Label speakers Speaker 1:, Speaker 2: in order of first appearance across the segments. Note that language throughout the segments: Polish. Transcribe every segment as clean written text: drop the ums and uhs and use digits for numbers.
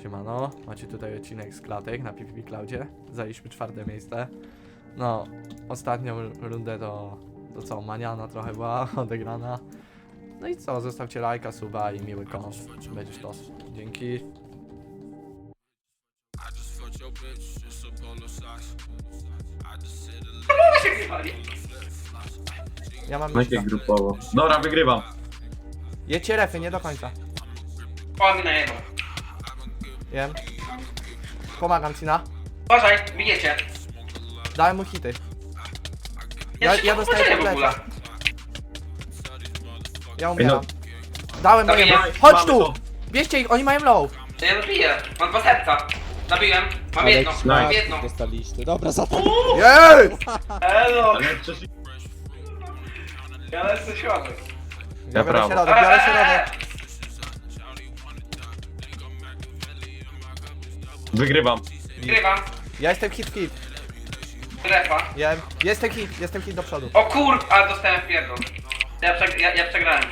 Speaker 1: Siemano, macie tutaj odcinek z klatek na PvP Cloudzie. Zajęliśmy 4. miejsce. No, ostatnią rundę to co, maniana trochę była odegrana. No i co, zostawcie lajka, suba i miły kąt. Będzie sztos. Dzięki. Ja mam
Speaker 2: Jakie grupowo. Dobra, wygrywam.
Speaker 1: Jedźcie refy, nie do końca.
Speaker 3: O, mi najebał.
Speaker 1: Jem. Pomagam ci na.
Speaker 3: Uważaj, bijecie.
Speaker 1: Dałem mu hity.
Speaker 3: Ja
Speaker 1: Ja dostaję
Speaker 3: w ogóle.
Speaker 1: kompletę. Ja
Speaker 2: Ej,
Speaker 1: umieram.
Speaker 2: no.
Speaker 1: Dałem
Speaker 3: Dobra,
Speaker 1: mojemu.
Speaker 3: ja-
Speaker 1: Chodź
Speaker 2: mamy
Speaker 1: tu!
Speaker 2: to.
Speaker 1: Bierzcie ich, oni mają low.
Speaker 3: Ja zabiję. Mam 2 serca. Zabiłem. Mam jedno. Mam
Speaker 2: nice.
Speaker 3: jedno.
Speaker 4: Dostaliście. Dobra, za to.
Speaker 1: Jest!
Speaker 3: Elo.
Speaker 2: Ale przecież...
Speaker 3: Ja lecę środek.
Speaker 1: Ja biorę
Speaker 2: prawo.
Speaker 1: środek, biorę środek.
Speaker 2: Wygrywam.
Speaker 3: Grywam.
Speaker 1: Ja jestem hit.
Speaker 3: Trefa.
Speaker 1: Jem. Jestem hit do przodu.
Speaker 3: O kur... A, dostałem pierdol. Ja przegrałem.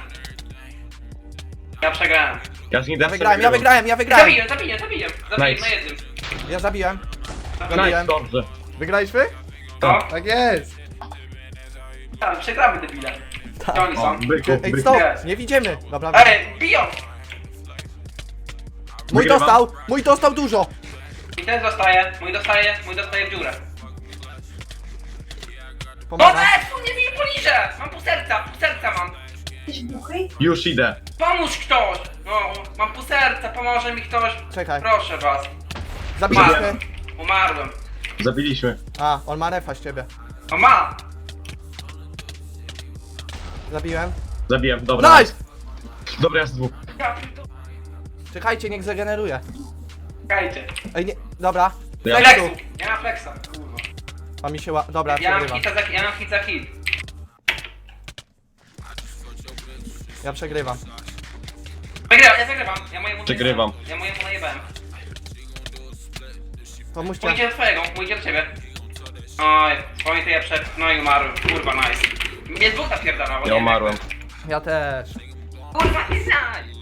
Speaker 3: Ja przegrałem.
Speaker 2: Ja z nim
Speaker 1: Ja wygrałem.
Speaker 3: Zabiję na
Speaker 2: Nice.
Speaker 3: jednym.
Speaker 1: Ja zabiłem.
Speaker 2: Nice, dobrze.
Speaker 1: Wygraliśmy?
Speaker 3: No,
Speaker 1: Tak jest.
Speaker 3: tam, przegramy debile. Gdzie oni
Speaker 2: O,
Speaker 3: są?
Speaker 2: byku,
Speaker 1: Ej,
Speaker 2: byku.
Speaker 1: stop!
Speaker 3: Jest.
Speaker 1: Nie widzimy. Dobra,
Speaker 3: Ej, biją!
Speaker 2: Wygrywam.
Speaker 1: Mój dostał dużo.
Speaker 3: I ten zostaje, mój dostaje w dziurę. No
Speaker 1: Pomagam.
Speaker 3: tu nie bij poliże! Mam pół serca mam.
Speaker 2: Już idę.
Speaker 3: Pomóż ktoś! No, mam pół serca, pomoże mi ktoś.
Speaker 1: Czekaj.
Speaker 3: Proszę was.
Speaker 1: Zabiliśmy.
Speaker 3: Umarłem.
Speaker 2: Zabiliśmy.
Speaker 1: A, on ma refa z ciebie.
Speaker 3: O ma!
Speaker 1: Zabiłem.
Speaker 2: Zabiłem, dobra.
Speaker 1: Nice!
Speaker 2: Dobra, ja z dwóch.
Speaker 3: Ja pierdolę.
Speaker 1: Czekajcie, niech zageneruje.
Speaker 3: Czekajcie.
Speaker 1: Ej, nie. Dobra.
Speaker 2: Ja-
Speaker 3: Flexu! Ja mam flexa, kurwa.
Speaker 1: A mi się Dobra,
Speaker 3: Ja mam
Speaker 1: przegrywam.
Speaker 3: hit za hit.
Speaker 1: Ja przegrywam.
Speaker 3: Ja wygrywam.
Speaker 2: Przegrywam.
Speaker 3: Ja mojemu najebałem.
Speaker 1: Pomóżcie.
Speaker 3: Mój idzie do twojego, mój idzie do ciebie. Oj, swoje to ja przed... No i umarłem. Kurwa, nice. Mnie dwóch napierdalało.
Speaker 2: Ja umarłem.
Speaker 1: Ja też.
Speaker 3: Kurwa, nie znaj!